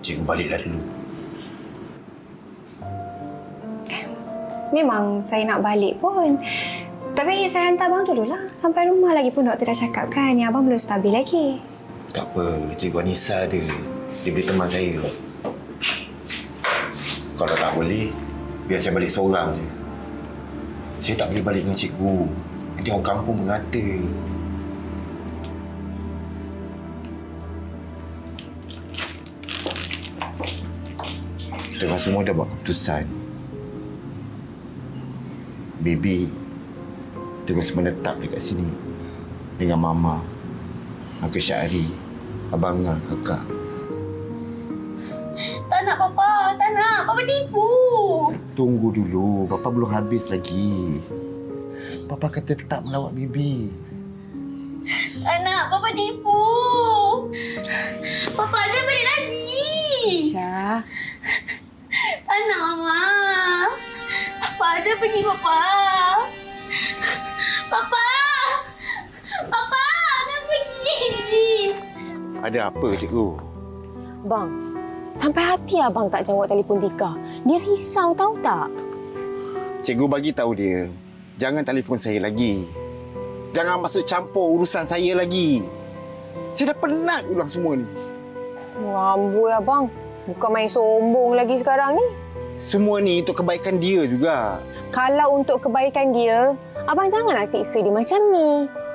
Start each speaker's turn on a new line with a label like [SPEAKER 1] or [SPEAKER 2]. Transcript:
[SPEAKER 1] Cikgu balik dah dulu.
[SPEAKER 2] Memang saya nak balik pun. Tapi saya hantar abang dululah. Sampai rumah lagi pun doktor dah cakap kan yang abang belum stabil lagi.
[SPEAKER 1] Tak apa, Cikgu Anissa ada. Dia boleh teman saya. Kalau tak boleh, biar saya balik seorang je. Saya tak boleh balik dengan cikgu. Nanti orang kampung mengata. Kita orang semua dah buat keputusan. Baby terus menetap dekat sini dengan Mama, Uncle Syahri, Abang Ngah, Kakak.
[SPEAKER 3] Tak nak, Papa. Tak nak. Papa tipu.
[SPEAKER 1] Tunggu dulu. Papa belum habis lagi. Papa akan tetap melawat Bibi.
[SPEAKER 3] Tak nak. Papa tipu. Papa, saya balik lagi.
[SPEAKER 2] Syah.
[SPEAKER 3] Tak nak, Mama. Papa, saya pergi, Papa. Papa! Papa, saya pergi.
[SPEAKER 1] Ada apa, cikgu?
[SPEAKER 4] Bang, sampai hati abang tak jawab telefon Tika. Dia risau tahu tak?
[SPEAKER 1] Cikgu bagi tahu dia, jangan telefon saya lagi. Jangan masuk campur urusan saya lagi. Saya dah penat ulang semua ni.
[SPEAKER 4] Amboi abang. Bukan main sombong lagi sekarang ni.
[SPEAKER 1] Semua ni untuk kebaikan dia juga.
[SPEAKER 4] Kalau untuk kebaikan dia, abang janganlah siksa dia macam ni.